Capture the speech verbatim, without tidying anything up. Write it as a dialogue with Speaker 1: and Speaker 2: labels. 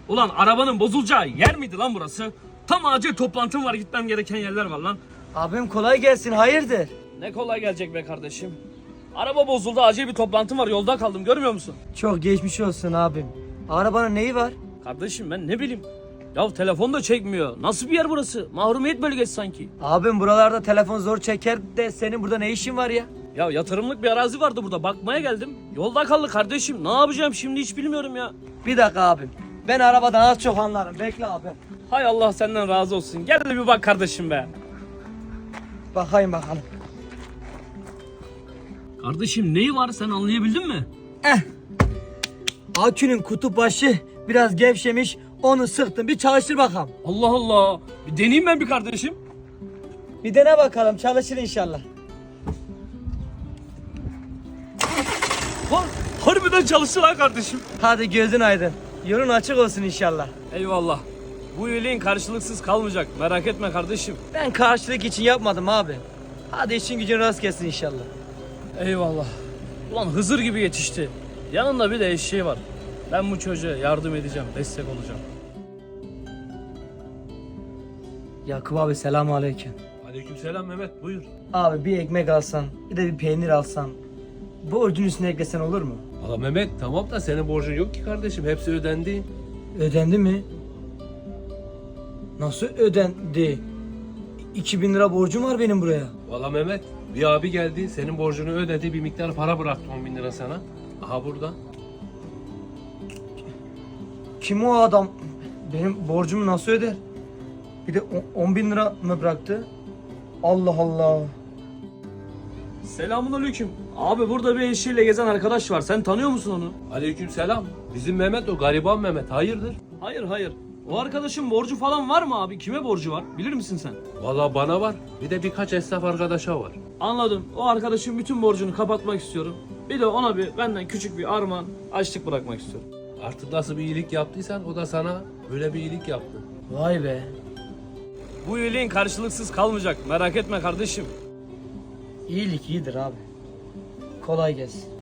Speaker 1: Ulan arabanın bozulacağı yer miydi lan burası? Tam acil toplantım var, gitmem gereken yerler var lan.
Speaker 2: Abim kolay gelsin, hayırdır?
Speaker 1: Ne kolay gelecek be kardeşim. Araba bozuldu, acil bir toplantım var, yolda kaldım, görmüyor musun?
Speaker 2: Çok geçmiş olsun abim. Arabanın neyi var?
Speaker 1: Kardeşim ben ne bileyim. Ya telefon da çekmiyor. Nasıl bir yer burası? Mahrumiyet bölgesi sanki.
Speaker 2: Abim buralarda telefon zor çeker de senin burada ne işin var ya?
Speaker 1: Ya yatırımlık bir arazi vardı burada, bakmaya geldim. Yolda kaldı kardeşim. Ne yapacağım şimdi hiç bilmiyorum ya.
Speaker 2: Bir dakika abim. Ben arabadan az çok anlarım. Bekle abi.
Speaker 1: Hay Allah senden razı olsun. Gel de bir bak kardeşim be.
Speaker 2: Bakayım bakalım.
Speaker 1: Kardeşim neyi var, sen anlayabildin mi?
Speaker 2: Eh. Akünün kutu başı biraz gevşemiş. Onu sıktım. Bir çalıştır bakalım.
Speaker 1: Allah Allah. Bir deneyeyim ben bir kardeşim.
Speaker 2: Bir dene bakalım. Çalışır inşallah.
Speaker 1: Ha, harbiden çalıştı lan kardeşim.
Speaker 2: Hadi gözün aydın. Yolun açık olsun inşallah.
Speaker 1: Eyvallah. Bu iyiliğin karşılıksız kalmayacak. Merak etme kardeşim.
Speaker 2: Ben karşılık için yapmadım abi. Hadi işin gücün rast gelsin inşallah.
Speaker 1: Eyvallah. Ulan Hızır gibi yetişti. Yanında bir de eşeği var. Ben bu çocuğa yardım edeceğim, destek olacağım.
Speaker 2: Yakup abi selamun aleyküm.
Speaker 3: Aleykümselam Mehmet, buyur.
Speaker 2: Abi bir ekmek alsan, bir de bir peynir alsan. Borcun üstüne eklesen olur mu?
Speaker 3: Valla Mehmet tamam da senin borcun yok ki kardeşim, hepsi ödendi.
Speaker 2: Ödendi mi? Nasıl ödendi? iki bin lira borcum var benim buraya.
Speaker 3: Valla Mehmet, bir abi geldi, senin borcunu ödedi, bir miktar para bıraktı on bin lira sana. Aha burada.
Speaker 2: Kim o adam? Benim borcumu nasıl öder? Bir de on bin lira mı bıraktı? Allah Allah.
Speaker 1: Selamünaleyküm. Abi burada bir eşeğiyle gezen arkadaş var. Sen tanıyor musun onu?
Speaker 3: Aleykümselam. Bizim Mehmet o, gariban Mehmet, hayırdır?
Speaker 1: Hayır hayır. O arkadaşın borcu falan var mı abi? Kime borcu var? Bilir misin sen?
Speaker 3: Valla bana var, bir de birkaç esnaf arkadaşa var.
Speaker 1: Anladım. O arkadaşın bütün borcunu kapatmak istiyorum. Bir de ona bir benden küçük bir armağan, açlık bırakmak istiyorum.
Speaker 3: Artık nasıl bir iyilik yaptıysan o da sana böyle bir iyilik yaptı.
Speaker 2: Vay be.
Speaker 1: Bu iyiliğin karşılıksız kalmayacak. Merak etme kardeşim.
Speaker 2: İyilik iyidir abi. Kolay gelsin.